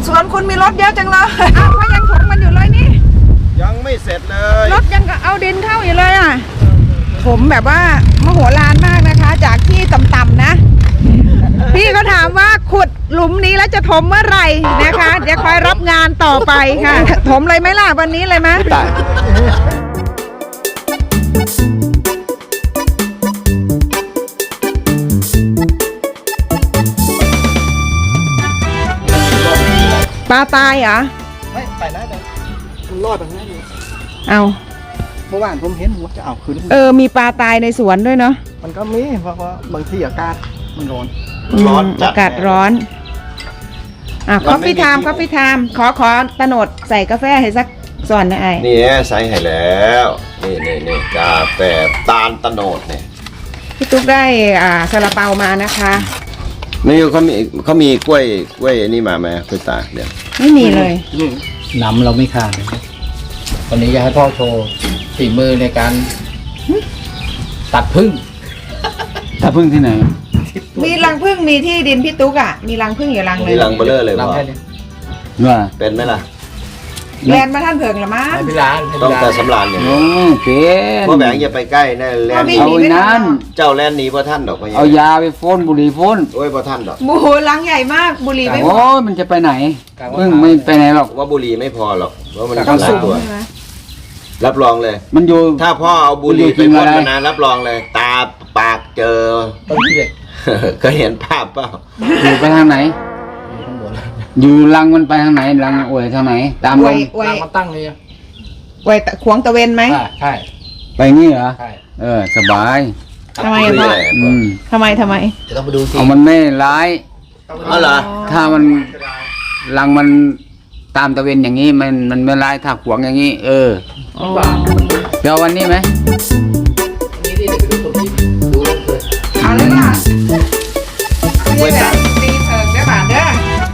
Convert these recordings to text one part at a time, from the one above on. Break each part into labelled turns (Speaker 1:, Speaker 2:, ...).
Speaker 1: สวนคุณมีรถเยอะจังเลยอ้าวเขายังถมมันอยู่เลยนี่
Speaker 2: ยังไม่เสร็จเลย
Speaker 1: รถยังเอาดินเข้าอยู่เลยอ่ะผมแบบว่ามโหฬารมากนะคะ จากที่ต่ำๆนะพี่เขาถามว่าขุดหลุมนี้แล้วจะถมเมื่อไหร่นะคะเดี๋ยวคอยรับงานต่อไปค่ะถมเลยไหมล่ะวันนี้เลยไหมปลาตายเหรอ
Speaker 2: ไม่ไปนะเดี๋ยวมันรอดแบบนั้นเลย
Speaker 1: เอา
Speaker 2: เมื่อวานผมเห็นว่าจะเอาคืน
Speaker 1: มีปลาตายในสวนด้วยเนาะ
Speaker 2: มันก็มีเพราะว่าบางทีอากาศมันร้อน
Speaker 1: อากาศร้อนคอฟฟี่ไทม์ขอตะโนดใส่กาแฟให้สักส่วนนะไอ้
Speaker 2: นี่ใส่ให้แล้วนี่กาแฟตาลตะโนดเนี่ย
Speaker 1: พี่ตุ๊กได้ซาลาเปามานะคะ
Speaker 2: ไม่เขามีกล้วยนี่มาไหมกล้วยตากเดี๋ยว
Speaker 1: ไม่มีเลย
Speaker 3: น้ำเราไม่ขาดวันนี้อยากให้พ่อโชว์ฝีมือในการตัดผึ้งที่ไหน
Speaker 1: มีรังผึ้งมีที่ดินพี่ตุ๊กมีรังผึ้งอยู่รังเลย
Speaker 2: มีรังเบลอเลยพ่อ
Speaker 3: ว่า
Speaker 2: เป็นไหมล่ะ
Speaker 1: แลนมาท่านเพิงหรือมั้ง
Speaker 2: ต้องแต่สำราญอย่างนี้เพราะแบงค์อย่าไปใกล้นะแลน
Speaker 3: เอานั้น
Speaker 2: เจ้าแลนหนีเพราะท่านดอก
Speaker 3: เอายาไปพ่นบุหรี่พ่น
Speaker 2: โอ้ยเพราะท่านดอก
Speaker 1: โอ้โหรังใหญ่มากบุหรี่ไม่พอ
Speaker 3: มันจะไปไหนพึ่งไม่ไปไหนหรอก
Speaker 2: ว่าบุหรี่ไม่พอหรอกว่ามันหลายตัวรับรองเลย
Speaker 3: มันอยู่
Speaker 2: ถ้าพ่อเอาบุหรี่ไปพ่นมานานรับรองเลยตาปากเจอเคยเห็นภาพเปล่า
Speaker 3: อยู่ไปทางไหนอยู่รังมันไปทางไหนรังอวยทางไหนตามรังมันตั้งเลย
Speaker 1: ไว้ขวงตะเวนไหม
Speaker 3: ใช่ไปงี้เหรอใช่สบาย
Speaker 1: ทำไมพ่อทำไม
Speaker 3: จะต้องไปดูสิเอามันไม่ร้าย
Speaker 2: เหรอ
Speaker 3: ถ้ามันรังมันตามตะเวนอย่างนี้มันไม่ร้ายถ้าขวงอย่างนี้เดี๋ยววันนี้ไหม
Speaker 1: นี่ที่จะไปดูตรงนี้ดูเลยเอาเลยค่ะนี่แบบตีเถิงได้ป่ะเด้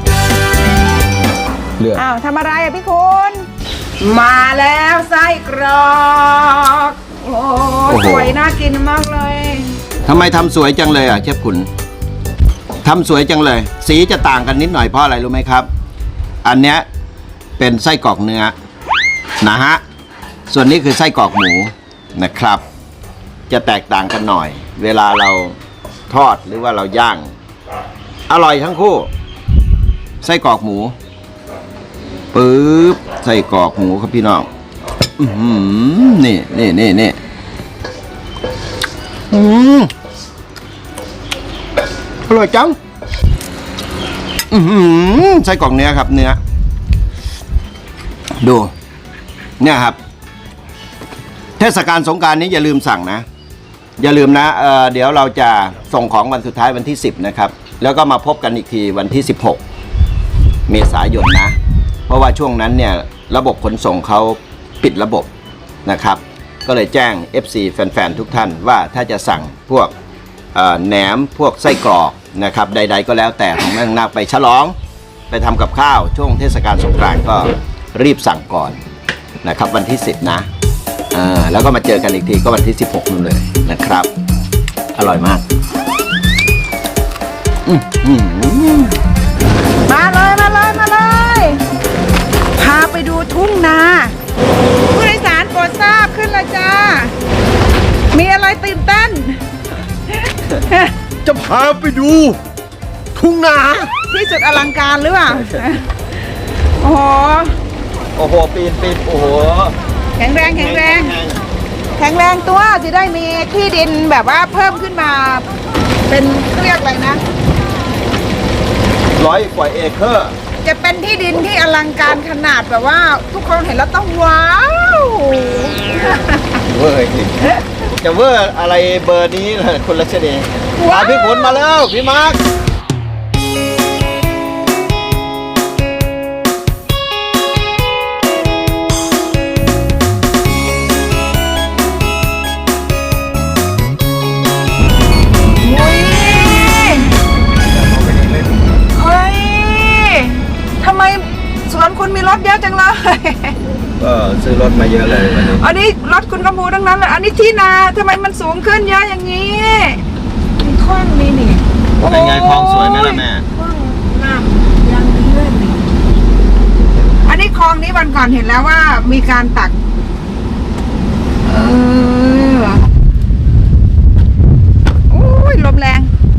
Speaker 1: ออ้าวทำอะไรพี่คุณมาแล้วไส้กรอกโอ้สวยน่ากินมากเลย
Speaker 2: ทำไมทำสวยจังเลยเชฟขุนทำสวยจังเลยสีจะต่างกันนิดหน่อยเพราะอะไรรู้ไหมครับอันเนี้ยเป็นไส้กรอกเนื้อนะฮะส่วนนี้คือไส้กรอกหมูนะครับจะแตกต่างกันหน่อยเวลาเราทอดหรือว่าเราย่างอร่อยทั้งคู่ไส้กรอกหมูปึ๊บไส้กรอกหมูครับพี่น้องนี่อร่อยจังไส้กรอกเนื้อครับเนื้อดูเนี่ยครับเทศกาลสงกรานต์นี้อย่าลืมสั่งนะอย่าลืมนะเดี๋ยวเราจะส่งของวันสุดท้ายวันที่10นะครับแล้วก็มาพบกันอีกทีวันที่16เมษายนนะเพราะว่าช่วงนั้นเนี่ยระบบขนส่งเขาปิดระบบนะครับก็เลยแจ้ง FC แฟนๆทุกท่านว่าถ้าจะสั่งพวกแหนมพวกไส้กรอกนะครับใดๆก็แล้วแต่ของแม่นาคไปฉลองไปทำกับข้าวช่วงเทศกาลสงกรานต์ก็รีบสั่งก่อนนะครับวันที่10นะแล้วก็มาเจอกันอีกทีก็วันที่16นู่นเลยนะครับอร่อยมาก
Speaker 1: มาเลยพาไปดูทุ่งนาผู้โดยสารโปรดทราบขึ้นเลยจ้ามีอะไรตื่นเต้น
Speaker 2: จะพาไปดูทุ่งนา
Speaker 1: ที่สุดอลังการหรือเปล่าโอ้โห
Speaker 2: ปีนโอ้โห
Speaker 1: แข็งแรงตัวจะได้มีที่ดินแบบว่าเพิ่มขึ้นมาเป็นเรียกอะไรนะ
Speaker 2: 100 กว่าเอเคอร์
Speaker 1: จะเป็นที่ดินที่อลังการขนาดแบบว่าทุกคนเห็นแล้วต้องว้าว
Speaker 2: เวอร์จริงจะเวอร์อะไรเบอร์นี้เลยคุณรัชนีพี่ขุนมาแล้วพี่มาร์ค
Speaker 1: คุณมีรถเยอะจังเลย
Speaker 2: ก็ซื้อรถมาเยอะเลยวันนี้
Speaker 1: อันนี้รถคุณกำพูทั้งนั้นเลยอันนี้ที่นาทำไมมันสูงขึ้นเยอะอย่างนี้มีคลองนี่
Speaker 2: เป็นไงคลองสวยไหมล่ะแม่
Speaker 1: คลองน้ำยังดีเลยวันก่อนเห็นแล้วว่ามีการตักโอ้ยลมแรง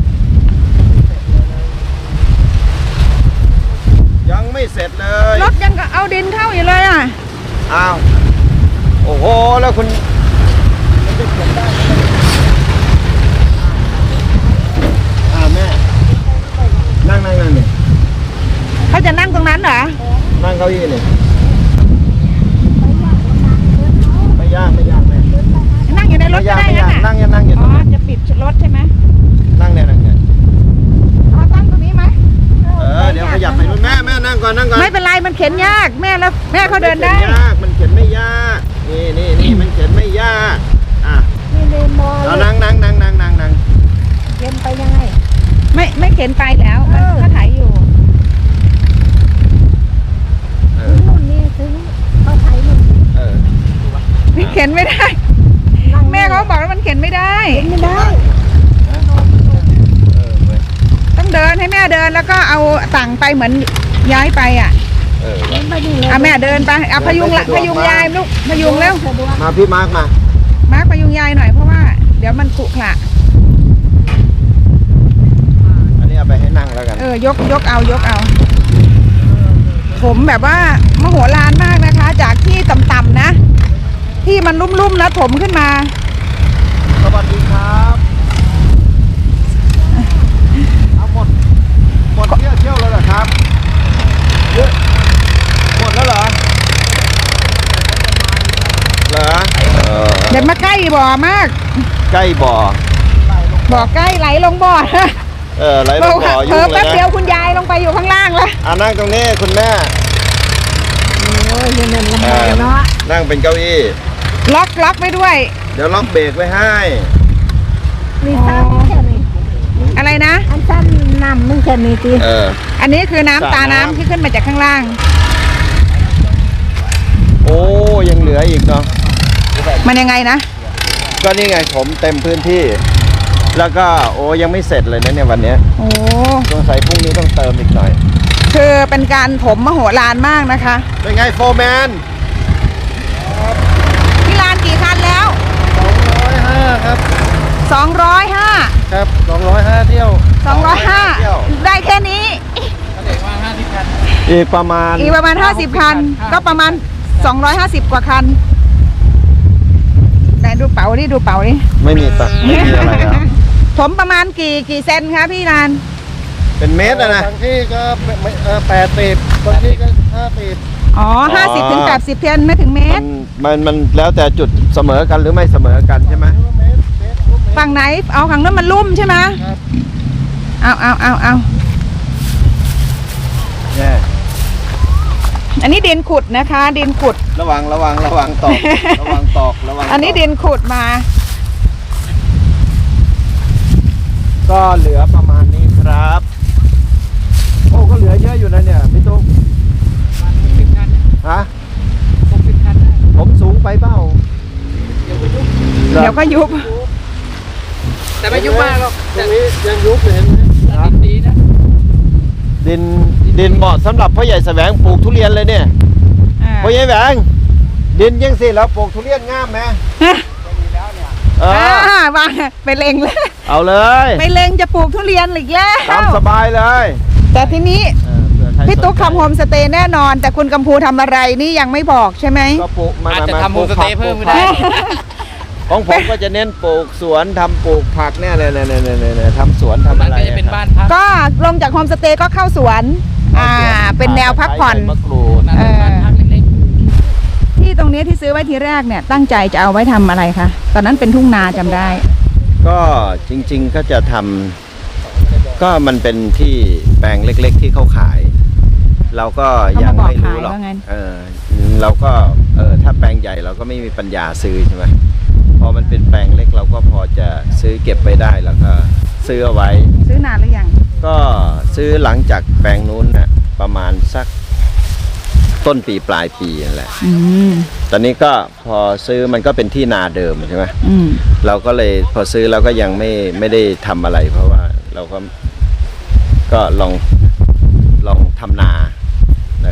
Speaker 2: ยังไม่เสร็จเลย
Speaker 1: รถยังเอาดินเข้าอยู่เลยอ่ะ
Speaker 2: อ้าวโอ้โหแล้วคุณแม่นั่งนี่
Speaker 1: เขาจะนั่งตรงนั้นเหรอ
Speaker 2: นั่งเก้าอี้นี่ไม่ยากแม่
Speaker 1: นั่งอยู่ในรถก็ได้
Speaker 2: ไม่ยาก
Speaker 1: นะ
Speaker 2: นั่งอยู่
Speaker 1: อ๋
Speaker 2: ตรง
Speaker 1: อ
Speaker 2: นั้น
Speaker 1: จะปิดรถใช่ไหม
Speaker 2: นั่งเนี่ย
Speaker 1: อ๋อตั้งตรงนี้ไหม
Speaker 2: เดี๋ยวขยับไปนู่นแม่นั่งก่อน
Speaker 1: ไม่เป็นไรมันเข็นยากแม่แล้วแม่เขาเดินได้
Speaker 2: มันเข็นไม่ยากนี่มันเข็นไม่ยากอ่ะ
Speaker 4: นี่เดินมอ
Speaker 2: เอา
Speaker 4: เลย
Speaker 2: นั่ง
Speaker 4: เดินไปยังไง
Speaker 1: ไม่เข็นไปแล้วมันก็ถ่ายอยู่
Speaker 4: นู่นนี่ถึงเขาไทยนู่น
Speaker 1: มันเข็นไม่ได้
Speaker 4: นั่ง
Speaker 1: แม่เขาบอกว่ามันเข็นไม่ได้
Speaker 4: ไม่ได้
Speaker 1: ต้องเดินให้แม่เดินแล้วก็เอาต่างไปเหมือนย้ายไปอ่ะ
Speaker 4: เดินไปนี่เลย
Speaker 1: เอาแม่เดินไปเอาพยุงยายลูกพยุงเร็ว
Speaker 4: สะดวก
Speaker 2: มาพี่มาร์กมา
Speaker 1: มาร์คพยุงยายหน่อยเพราะว่าเดี๋ยวมันขรุขระ
Speaker 2: อันนี้เอาไปให้นั่งแล้วกัน
Speaker 1: ยกเอาผมแบบว่ามโหฬารมากนะคะ จากที่ต่ำๆนะ ที่มันลุ่มๆนะถมขึ้นมา
Speaker 2: สวัสดีครับเอาหมดเที่ยวแล้วเหรอครับเยอะหมดแล้วเหรอ
Speaker 1: เดี๋ยวมาใกล้บ่อมาก
Speaker 2: ใกล้บ่อ
Speaker 1: บ่อใกล้ไหลลงบ่อ
Speaker 2: ไหลลงบ่อ
Speaker 1: เผล
Speaker 2: ยุ่
Speaker 1: อง
Speaker 2: เล
Speaker 1: แป๊
Speaker 2: ย
Speaker 1: บ
Speaker 2: นะ
Speaker 1: เดียวคุณยายลงไปอยู่ข้างล่างแล้ว
Speaker 2: นั่งตรงนี้คุณแม่
Speaker 4: โอ้ยเดินลำบากเนาะ
Speaker 2: นั่งเป็นเก้าอี้
Speaker 1: ล็อกไว้ด้วย
Speaker 2: เดี๋ยวล็อกเบรกไว้ให้
Speaker 4: มีซ้ำแค่นี้
Speaker 1: อะไรนะ
Speaker 4: อันซ้ำน้ำมึงแค่นี้ตี
Speaker 1: อันนี้คือน้ำ
Speaker 2: สระ
Speaker 1: ตา
Speaker 2: น้ำ
Speaker 1: น้ำที่ขึ้นมาจากข้างล่าง
Speaker 2: โอ้ยังเหลืออีกเนาะ
Speaker 1: มันยังไงนะ
Speaker 2: ก็นี่ไงผมเต็มพื้นที่ แล้วก็ยังไม่เสร็จเลยนะเนี่ยวันเนี้ย
Speaker 1: โอ้
Speaker 2: สงสัยพรุ่งนี้ต้องเติมอีกหน่อย
Speaker 1: คือเป็นการถมมโหฬารมากนะคะ
Speaker 2: เป็นไงโฟร์แมน
Speaker 1: พี่ลานกี่คันแล้ว
Speaker 2: 205ครับ
Speaker 1: 205
Speaker 2: ครับ205เที่ยว
Speaker 1: 205ได้แค่นี้
Speaker 2: อีกประมาณ
Speaker 1: อีกประมาณ50 คัน ก็ประมาณ250 กว่าคันไหนดูเป๋าดิดูเป๋าดิ
Speaker 2: ไม่มีอะไรแล้ว
Speaker 1: ผมประมาณกี่เซนคะพี่ลาน
Speaker 2: เป็นเมตรอะนะ
Speaker 5: บางที่ก็80บางที่ก็50
Speaker 1: อ๋อ50 ถึง 80 เซนไม่ถึงเมตร
Speaker 2: มันแล้วแต่จุดเสมอกันหรือไม่เสมอกันใช่ไหม
Speaker 1: ฝั่งไหนเอาฝั่งนั้นมันลุ่มใช่ไหม
Speaker 5: ครับ
Speaker 1: เอา
Speaker 2: เนี่ย
Speaker 1: อันนี้ดินขุดนะคะ ดินขุด
Speaker 2: ระวังตอกระวังตอก
Speaker 1: อันนี้ดินขุดมา
Speaker 2: ก็เหลือประมาณนี้ครับโอ้ก็เหลือเยอะอยู่นะเนี่ยพี่ตุ๊กฮะผมสูงไปเปล่า
Speaker 1: เดี๋ยวก็ยุบ
Speaker 3: แต่ไม่ยุ่งมากหรอก
Speaker 5: ตรงนี้ยังยุบเลยเห็นไหม
Speaker 3: ดินดีนะ
Speaker 2: ดินเหมาะสำหรับพ่อใหญ่แสวงปลูกทุเรียนเลยเนี่ยพ่อใหญ่แสวงดินยังสิแล้วปลูกทุเรียนงามไหม
Speaker 1: วางไปเล็งเลย
Speaker 2: เอาเลย
Speaker 1: ไปเล็งจะปลูกทุเรียนอีกแล้ว
Speaker 2: ตามสบายเลย
Speaker 1: แต่ทีนี้
Speaker 2: เผื่อใคร
Speaker 1: พี่ตุ๊กทำโฮมสเตย์แน่นอน แต่คุณกัมพูทำอะไรนี่ยังไม่บอกใช่ไหม
Speaker 2: ก็ปลูกมา
Speaker 3: อาจจะ
Speaker 2: มา
Speaker 3: ทำโฮมสเตย์เพิ่มก็ได้
Speaker 2: ของผมก็จะเน้นปลูกสวนทำปลูกผักเนี่ยทำสวนทำ
Speaker 3: มั
Speaker 2: อะ
Speaker 3: น
Speaker 2: ไร
Speaker 3: ก็จะเป็นบ้านพัก
Speaker 1: ก็ลงจากโฮมสเตย์ก็เข้าสวน เป็นแนวพักผ่อน
Speaker 2: มะกรูด
Speaker 3: นั่นเป็นบ้านพักเล็ก
Speaker 1: ที่ตรงนี้ที่ซื้อไว้ทีแรกเนี่ยตั้งใจจะเอาไว้ทำอะไรคะตอนนั้นเป็นทุ่งนาจำได้
Speaker 2: ก็จริงๆก็จะทำก็มันเป็นที่แปลงเล็กๆที่เขาขาย เราก็ยังไม่รู้หรอก
Speaker 1: เขามาบอกขายว่างั้น
Speaker 2: เราก็ถ้าแปลงใหญ่เราก็ไม่มีปัญญาซื้อใช่ไหมพอมันเป็นแปลงเล็กเราก็พอจะซื้อเก็บไปได้แล้วก็ซื้อเอาไว้
Speaker 1: ซื้อนานหรือยัง
Speaker 2: ก็ซื้อหลังจากแปลงนู้นน่ะประมาณสักต้นปีปลายปีนั่นแหละ
Speaker 1: อืม
Speaker 2: ตอนนี้ก็พอซื้อมันก็เป็นที่นาเดิมใช่ไหม
Speaker 1: อืม
Speaker 2: เราก็เลยพอซื้อเราก็ยังไม่ได้ทำอะไร เพราะว่าเราก็ลองทำนานะ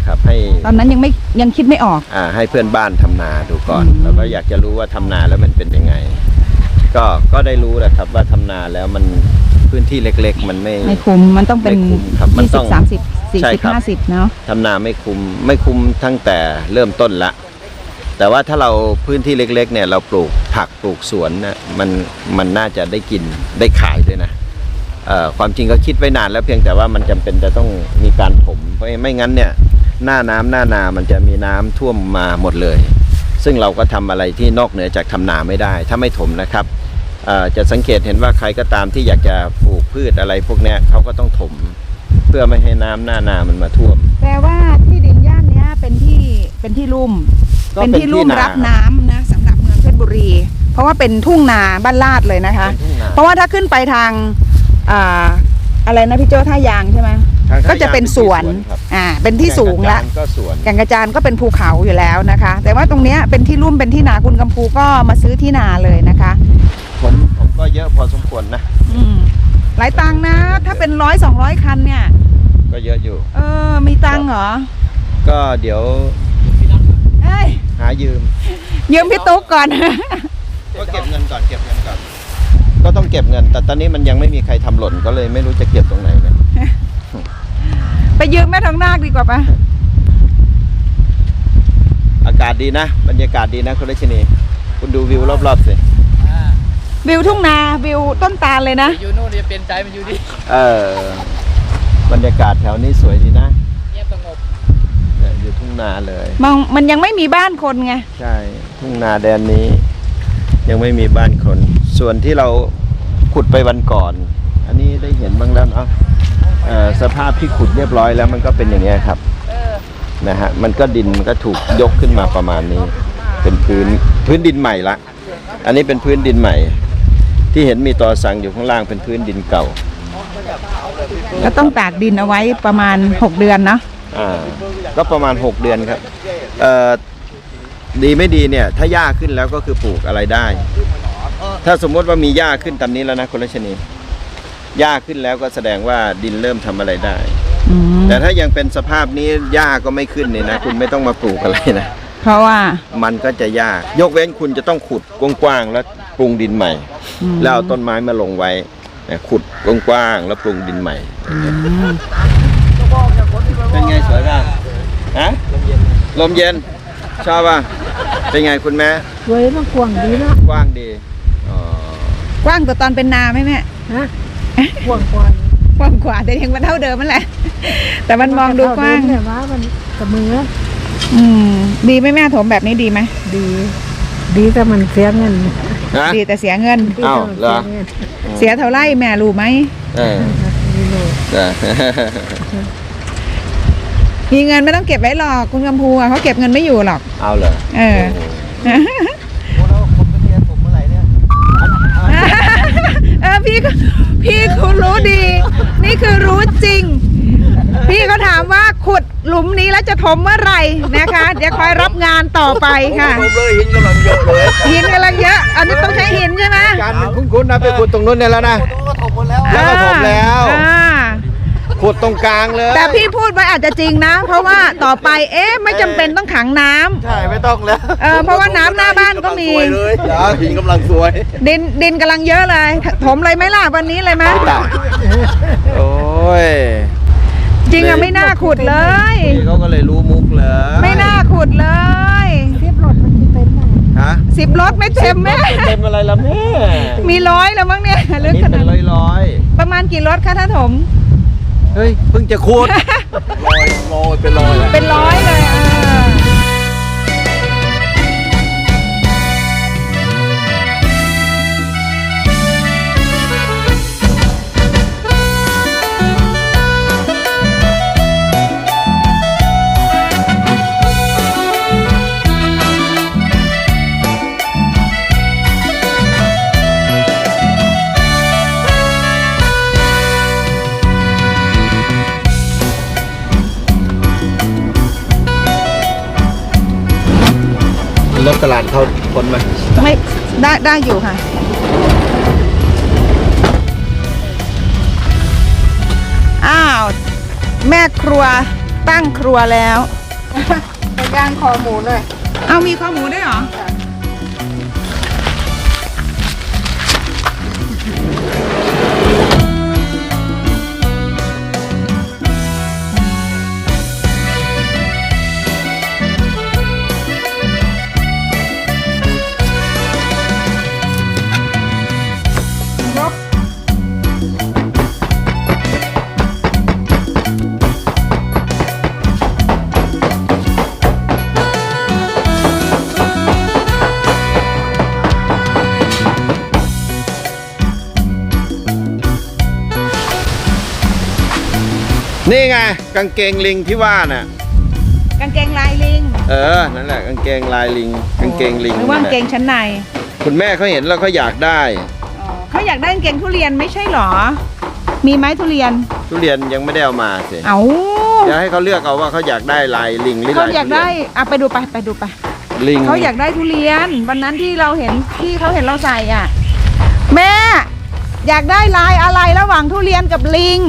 Speaker 2: นะครับให้
Speaker 1: ตอนนั้นยังคิดไม่ออก
Speaker 2: ให้เพื่อนบ้านทำนาดูก่อนแล้วก็อยากจะรู้ว่าทำนาแล้วมันเป็นยังไงก็ได้รู้แหละครับว่าทำนาแล้วมันพื้นที่เล็กๆมัน
Speaker 1: ไม่คุ้มมันต้องเป็น
Speaker 2: ไม่คุ้มครับมันต้อง
Speaker 1: 20 30
Speaker 2: ใช่ครับ
Speaker 1: 40 50เนาะ
Speaker 2: ทำนาไม่คุ้มตั้งแต่เริ่มต้นละแต่ว่าถ้าเราพื้นที่เล็กๆเนี่ยเราปลูกผักปลูกสวนนะมันน่าจะได้กินได้ขายด้วยนะความจริงก็คิดไว้นานแล้วเพียงแต่ว่ามันจำเป็นจะต้องมีการถมเพราะไม่งั้นเนี่ยหน้านามันจะมีน้ำท่วมมาหมดเลย ซึ่งเราก็ทำอะไรที่นอกเหนือจากทำนาไม่ได้ถ้าไม่ถมนะครับจะสังเกตเห็นว่าใครก็ตามที่อยากจะปลูกพืชอะไรพวกนี้เขาก็ต้องถมเพื่อไม่ให้น้ำหน้านามันมาท่วม
Speaker 1: แปลว่าที่ดินย่านนี้เป็นที่ลุ่มเป็นที่ลุ่มรับน้ำนะสำหรับเมืองเพชรบุรีเพราะว่าเป็นทุ่งนาบ้านลาดเลยนะคะเพราะว่าถ้าขึ้นไปทางอะไรนะพี่โจ้ท่ายางใช่ไหมก็จะเป็นสวนเป็นที่สูงละแก่งกระจานก็เป็นภูเขาอยู่แล้วนะคะแต่ว่าตรงนี้เป็นที่ลุ่มเป็นที่นาคุณกำพูก็มาซื้อที่นาเลยนะคะ
Speaker 2: ผมก็เยอะพอสมควรนะ
Speaker 1: หลายตังค์นะถ้าเป็น100-200 คันเนี่ย
Speaker 2: ก็เยอะอยู่
Speaker 1: มีตังค์เหรอ
Speaker 2: ก็เดี๋ยวหายืม
Speaker 1: พี่ตุ๊กก่อน
Speaker 2: ก็เก็บเงินก่อนก็ต้องเก็บเงินแต่ตอนนี้มันยังไม่มีใครทำหล่นก็เลยไม่รู้จะเก็บตรงไหนเลย
Speaker 1: ไปยืมแม่ทองนาคดีกว่าปะ
Speaker 2: อากาศดีนะบรรยากาศดีนะคุณรัชนีคุณดูวิวรอบๆสิ
Speaker 1: วิวทุ่งนาวิวต้นตาลเลยนะ
Speaker 3: อยู่โน่นจะเปลี่ยนใจมันอยู่ดิ
Speaker 2: บรรยากาศแถวนี้สวยดีนะ
Speaker 3: เงียบสงบ
Speaker 2: อยู่ทุ่งนาเลย
Speaker 1: มันยังไม่มีบ้านคนไง
Speaker 2: ใช่ทุ่งนาแดนนี้ยังไม่มีบ้านคนส่วนที่เราขุดไปวันก่อนอันนี้ได้เห็นบ้างแล้วเนาะสภาพที่ขุดเรียบร้อยแล้วมันก็เป็นอย่างนี้ครับนะฮะมันก็ดินมันก็ถูกยกขึ้นมาประมาณนี้เป็นพื้นดินใหม่ละอันนี้เป็นพื้นดินใหม่ที่เห็นมีตอสั่งอยู่ข้างล่างเป็นพื้นดินเก่า
Speaker 1: ก็ต้องตากดินเอาไว้ประมาณ6 เดือนเนาะ
Speaker 2: ก็ประมาณ6 เดือนครับดีไม่ดีเนี่ยถ้าหญ้าขึ้นแล้วก็คือปลูกอะไรได้ถ้าสมมติว่ามีหญ้าขึ้นตามนี้แล้วนะคุณรัชนีหญ้าขึ้นแล้วก็แสดงว่าดินเริ่มทำอะไรได้แต่ถ้ายังเป็นสภาพนี้หญ้าก็ไม่ขึ้นเนี่ยนะคุณไม่ต้องมาปลูกอะไรนะ
Speaker 1: เพราะว่า
Speaker 2: มันก็จะยากยกเว้นคุณจะต้องขุดกว้างๆแล้วปรุงดินใหม่แล้วเอาต้นไม้มาลงไว้ขุดกว้างๆแล้วปรุงดินใหม่เป็นไงสวยป่ะฮะลมเย็นชอบป่ะเป็นไงคุณแม่
Speaker 4: สวยมากกว้างดีนะ
Speaker 2: กว้างดี
Speaker 1: กว้างแต่ตอนเป็นนาไหมแม่
Speaker 4: ฮะกว้างกว่า
Speaker 1: แต่ยังมันเท่าเดิมมันแหละแต่มันมองดูกว้าง
Speaker 4: แต่ว่ามันกับมือ
Speaker 1: ดีไหมแม่ถมแบบนี้ดีไหม
Speaker 4: ดีแต่มันเสียเงิน
Speaker 1: ดีแต่เสียเงิน
Speaker 2: อ้าวเหรอ
Speaker 1: เสียเท่าไรแม่รู้ไหมมีเงินไม่ต้องเก็บไว้หรอกคุณกำพูเขาเก็บเงินไม่อยู่หรอก
Speaker 2: เอาเหรอ
Speaker 1: พี่คุณรู้ดีนี่คือรู้จริงพี่ก็ถามว่าขุดหลุมนี้แล้วจะถมเมื่อไหร่นะคะเดี๋ยวคอยรับงานต่อไปค่ะ
Speaker 2: หินกำลังเยอะเลย
Speaker 1: หินกำลังเยอะอันนี้ต้องใช้หินใช่ไหม
Speaker 2: การคุ้นๆนะไปขุดตรงนู้นเนี่ยแล้วนะแล้วก็ถมแล้วขุดตรงกลางเลย
Speaker 1: แต่พี่พูดไว้อาจจะจริงนะเพราะว่าต่อไปไม่จำเป็นต้องขังน้ำ
Speaker 2: ใช่ไม่ต้องแล้ว
Speaker 1: เพราะว่าน้ำหน้าบ้านก็มี
Speaker 2: หินกำลังสวย
Speaker 1: ดินกำลังเยอะเลยถมเลยไหมล่ะวันนี้เลยไหม
Speaker 2: โอ้ย
Speaker 1: จริงอะไม่น่าขุดเลย
Speaker 2: เขาก็เลยรู้มุกเลย
Speaker 1: ไม่น่าขุดเลย
Speaker 4: 10 รถมันจะเต็มไหม
Speaker 1: 10 รถไม่เต็มแม่
Speaker 2: เต็มอะไรล่ะแม่
Speaker 1: มี100แล้วมั้งเนี่ย
Speaker 2: ลึกขนาดร้อย
Speaker 1: ประมาณกี่รถคะถ้าถม
Speaker 2: เฮ้ยเพิ่งจะขุดลอยเป็นร้อย
Speaker 1: เลย
Speaker 2: รถตลาดเขาพ้นไหม
Speaker 1: ไม่ได้อยู่ค่ะอ้าวแม่ครัวตั้งครัวแล้ว
Speaker 4: ไปย่างคอหมูเลย
Speaker 1: เอามีข้อหมูด้วยเหรอ
Speaker 2: นี่ไงกางเกงลิงที่ว่าน่ะ
Speaker 1: กางเกงลายลิง
Speaker 2: นั่นแหละกางเกงลายลิงกางเกงลิง
Speaker 1: หรือว่ากางเกงชั้นใน
Speaker 2: คุณแม่เขาเห็นแล้วเขาอยากได้
Speaker 1: เขาอยากได้กางเกงทุเรียนไม่ใช่หรอ มีไหมทุเรียน
Speaker 2: ทุเรียนยังไม่ได้เอามาสิ
Speaker 1: เอา
Speaker 2: เดี๋ยวให้เขาเลือกเอาว่าเขาอยากได้ลายลิงหรือ
Speaker 1: เขา
Speaker 2: ลาย
Speaker 1: อยาก
Speaker 2: ทุเรี
Speaker 1: ได้
Speaker 2: ยน
Speaker 1: อ่ะไปดูไปดูไป
Speaker 2: ลิง
Speaker 1: เขาอยากได้ทุเรียน วันนั้นที่เราเห็นที่เขาเห็นเราใส่อ่ะ แม่ อยากได้ลายอะไรระหว่างทุเรียนกับลิง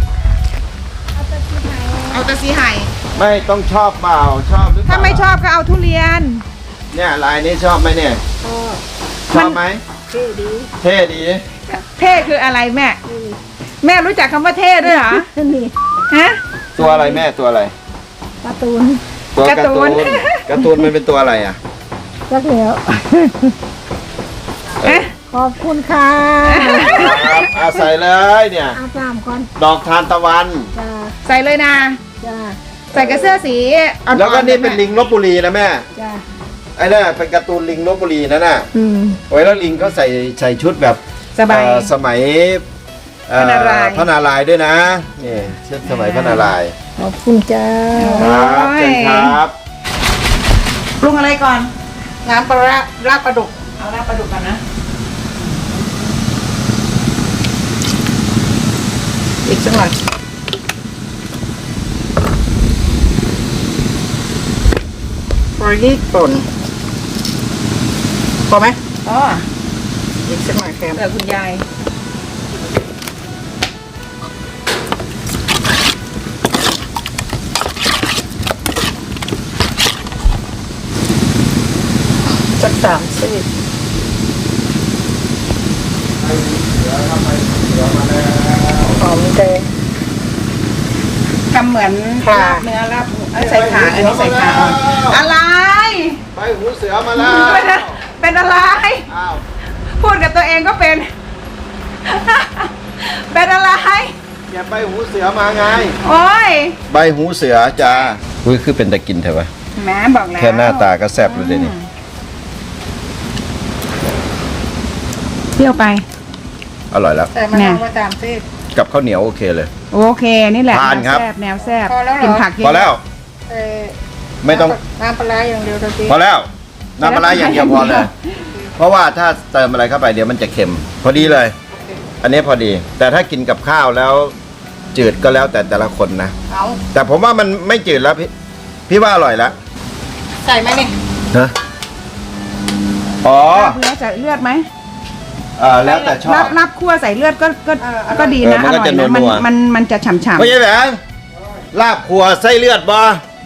Speaker 1: เอาแต่สีไห่
Speaker 2: ไม่ต้องชอบเปล่าชอบหรือเปล่า
Speaker 1: ถ้าไม่ชอบก็เอาทุเรียน
Speaker 2: เนี่ยลายนี้ชอบไหมเนี่ยชอบไหม
Speaker 4: เท่ดี
Speaker 2: เท่ดี
Speaker 1: เท่คืออะไรแม่ แม่รู้จักคำว่าเท่ด้วยเหรอ
Speaker 4: นี่
Speaker 1: ฮะ
Speaker 2: ตัวอะไรแม่ตัวอะไร
Speaker 4: การ์ตูน
Speaker 2: ตัว
Speaker 1: การ์ตูน
Speaker 2: การ์ตูนมันเป็นตัวอะไรอ่ะ
Speaker 4: รักแล้ว
Speaker 1: เอ๊ะ
Speaker 4: ขอบคุณค่ะ
Speaker 2: ครับใส่เลยเนี่ย
Speaker 4: อาบน้ำก่อน
Speaker 2: ดอกทานตะวัน
Speaker 4: จ้า
Speaker 1: ใส่เลยนะ
Speaker 4: จ้า
Speaker 1: ใส่กับเสื้อสีอ่อนๆ
Speaker 2: แล้วก็นี่เป็นลิงลบบุรีนะแม่
Speaker 4: จ้า
Speaker 2: ไอ้นั่นนะเป็นการ์ตูนลิงลบบุรีนั่นน่ะ
Speaker 4: อืม
Speaker 2: โอ้ยแล้วลิงเขาใส่ชุดแบบ
Speaker 1: สบาย
Speaker 2: สมัย
Speaker 1: พระนารายณ์
Speaker 2: พระนารายณ์ด้วยนะนี่ชุดสมัยพระนารายณ์
Speaker 4: ขอบคุณจ้า
Speaker 2: ครับเชิญครับ
Speaker 1: ปรุงอะไรก่อน น้ำปลาร้าลาบปลาดุก เอาลาบปลาดุกก่อนนะ อีกสักหน่อยพอดีป่นพอไหมอ๋ออีกสักหน่อยแคมคุณยายสัก30หอมแดงทำเหมือนลาบเนื้อลาบใส่ขาอันนี้ใส่ขาอ่อนอะไร
Speaker 2: ไปหูเสือมาแล้ว
Speaker 1: เป็นอะไร
Speaker 2: อ้าว
Speaker 1: พูดกับตัวเองก็เป็น เป็นอะไร
Speaker 2: แกใบหูเสือมาไง
Speaker 1: โอ้ย
Speaker 2: ใบหูเสือจ้าอุ้ยคือเป็นตะกินเถอะวะ
Speaker 1: แหม่บอกแล้ว
Speaker 2: แค่หน้าตาก็แซ่บเลยเดี๋ยวนี้
Speaker 1: เปรี้ยวไป
Speaker 2: อร่อยแล้ว
Speaker 4: แต่มันเอามาตามสิ
Speaker 2: กับข้าวเหนียวโอเคเลย
Speaker 1: โอเค นี่แหละ
Speaker 2: ทานครับ
Speaker 1: แนวแซ่บ
Speaker 4: พอแล้วเหรอ
Speaker 1: กินผักเยอะ
Speaker 2: พอแล้ว
Speaker 4: เอ่อ
Speaker 2: ไม่ต้อง
Speaker 4: น้ำปลาร้าอย่างเดียวตะกี้
Speaker 2: พอแล้วน้ำปลาร้าอย่างเดียวพอเลย เพราะว่าถ้าเติมอะไรเข้าไปเดี๋ยวมันจะเค็ม พอดีเลย อันนี้พอดี แต่ถ้ากินกับข้าวแล้วจืดก็แล้วแต่ละคนนะ
Speaker 4: เอา
Speaker 2: แต่ผมว่ามันไม่จืดแล้วพี่ว่าอร่อยแล้ว
Speaker 4: ใส่ไหมนี่
Speaker 2: ฮะอ๋อ
Speaker 1: เนื้อจะเลือดไหม
Speaker 2: แล้วแต่ชอ
Speaker 1: รั
Speaker 2: บบ
Speaker 1: รับคั่วใส่เลือดก็ดีนะ
Speaker 2: มันก็จะ
Speaker 1: อร่อยนะ
Speaker 2: นัวๆ
Speaker 1: มันจะฉ่ำ
Speaker 2: ไม่ใช่แหวงลาบครัวไส้เลือดบ่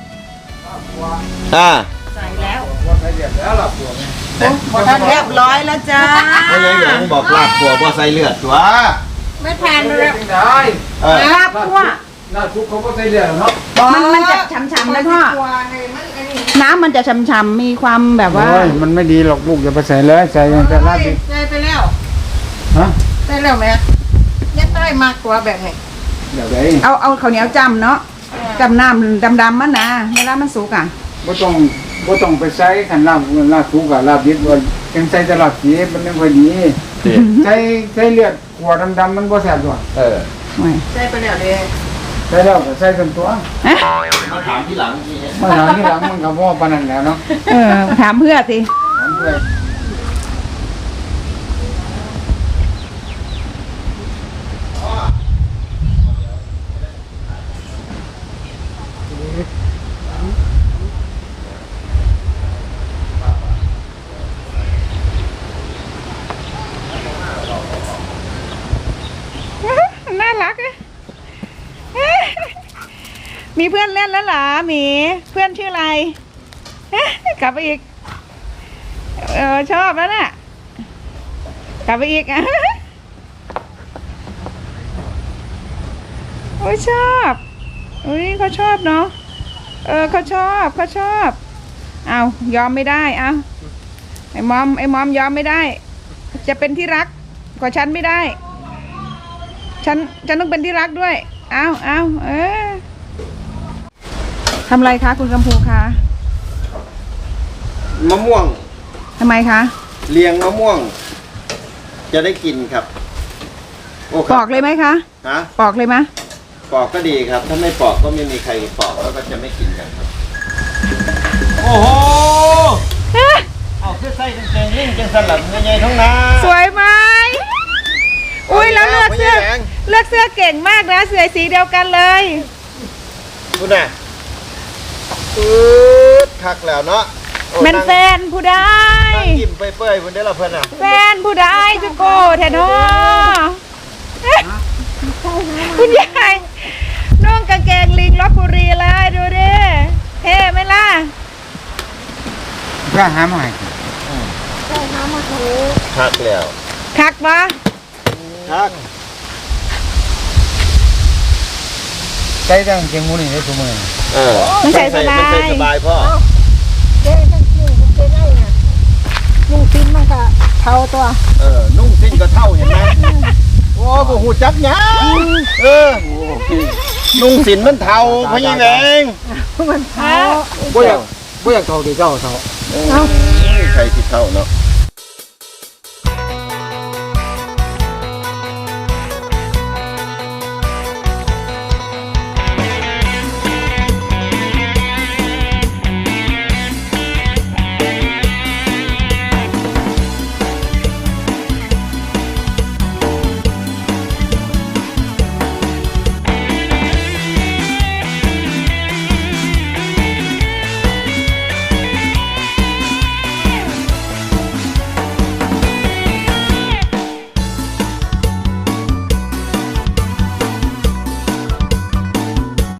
Speaker 2: อ่า
Speaker 1: ๆใส่แล้ว
Speaker 2: ไส้เลือดแล้วลาบครัว
Speaker 1: เรียบร้อยแล้วจ้า
Speaker 2: ไม่ใช่แหวงบอกลาบครัวบ่ไส้เลือดตัว
Speaker 4: ไม่ทานเลย
Speaker 2: เออ
Speaker 1: ลาบคั่ว
Speaker 5: หน้าซุปเขาก็ใส่เดือดเนาะ
Speaker 1: มันจะฉ่ำๆนะพ่อ
Speaker 4: ตัวไงมันไอ้นี่
Speaker 1: น้ำมันจะฉ่ำๆมีความแบบว่า
Speaker 5: โอ้ยมันไม่ดีหรอกลูกอย่าไปใส่เลยใส่อย่างแต่ลาบดิ
Speaker 4: ใส่ไปแล้ว
Speaker 5: ฮะ
Speaker 4: ใส่แล้วไหมยังได้มากกว่าแบบไหน
Speaker 5: เดี๋ยวไหน
Speaker 1: เอาข้าวเหนียวจำเนาะจำน้ำดำๆมันนะเวลามันสุกอ่ะ
Speaker 5: บ่ต้องไปใส่ขันลาบซุปกับลาบดิบว่ายังใส่แต่ลาบดิบมันไม่ค่อยดีใส่เลือดขวดดำๆมันบ่แซ่บด้วย
Speaker 2: เออ
Speaker 4: ใส่ไปแล้วเลย
Speaker 5: ใส่แล้วก็ใส่จนตัว
Speaker 2: มาถามที่หลังที่
Speaker 5: มาถามที่หลังมันก็บ่ปานนั้นแล้วเนาะ
Speaker 1: ถามเพื่อสิ
Speaker 5: ถามเพื่อน
Speaker 1: น่ารักอะมีเพื่อนเล่นแล้วเหรอหมีเพื่อนชื่ออะไร กลับไปอีกชอบแล้วน่ะกลับไปอีก โอ้ยชอบอุ้ยเขาชอบเนาะเขาชอบเอายอมไม่ได้เอาไอ้มอมยอมไม่ได้ จะเป็นที่รักกว่าฉันไม่ได้ฉันต้องเป็นที่รักด้วยเอาทำอะไรคะคุณกำพูคะ
Speaker 2: มะม่วง
Speaker 1: ทำไมคะ
Speaker 2: เลียงมะม่วง จะได้กินครับโอ้ค
Speaker 1: ป
Speaker 2: รั
Speaker 1: อกเลยไหมคะ
Speaker 2: ฮะ
Speaker 1: ปอกเลยไหม
Speaker 2: ปอกก็ดีครับ ถ้าไม่ปอกก็ไม่มีใครปอกแล้วก็จะไม่กินกันครับ โอ้โห เอาคือใส่กางเกงลิ่งจังสลับเงยใหญ่ท้องนา
Speaker 1: สวยไหมอุ้ยแล้วเลือกเสื้อ
Speaker 2: ไม่แรง
Speaker 1: เลือกเสื้อเก่งมากนะเสื้อสีเดียวกันเลย
Speaker 2: คุณน่ะคักแล้วเนาะโอ้
Speaker 1: เป็น
Speaker 2: นั่ง
Speaker 1: แฟนผู้ใด
Speaker 2: นั่งยิ้มเปื่อยๆคุณได้ละเพื่อนอ่ะ
Speaker 1: แฟนผู้ใดจะโกแทนอคุณยายนุ่งกางเกงลิงลบบุรีเลยดูดิเท่ไหมล่ะ
Speaker 5: ก็หามาให้
Speaker 2: คักแล้ว
Speaker 1: คักปะ
Speaker 2: คัก
Speaker 5: ใส่ตั้งเกงมูนี่ได้ทุกมื้อ
Speaker 1: มันใส่สบา
Speaker 2: มันใส่
Speaker 1: ย
Speaker 2: สบายพ่อ
Speaker 4: เจ๊ทั้งคู่เจ๊ได้น่ะลุงฟินมันก็เท่าตัว
Speaker 2: นุ่งสิ้นก็เท่าเห็นไหมโอ้โหหูจักหยังนุ่งสินมันเท่าพะยี่แหวง
Speaker 4: มันเท่า
Speaker 5: บ่อยากเท่าที่เจ้าเท่า
Speaker 2: ใครที่เท่าเนาะ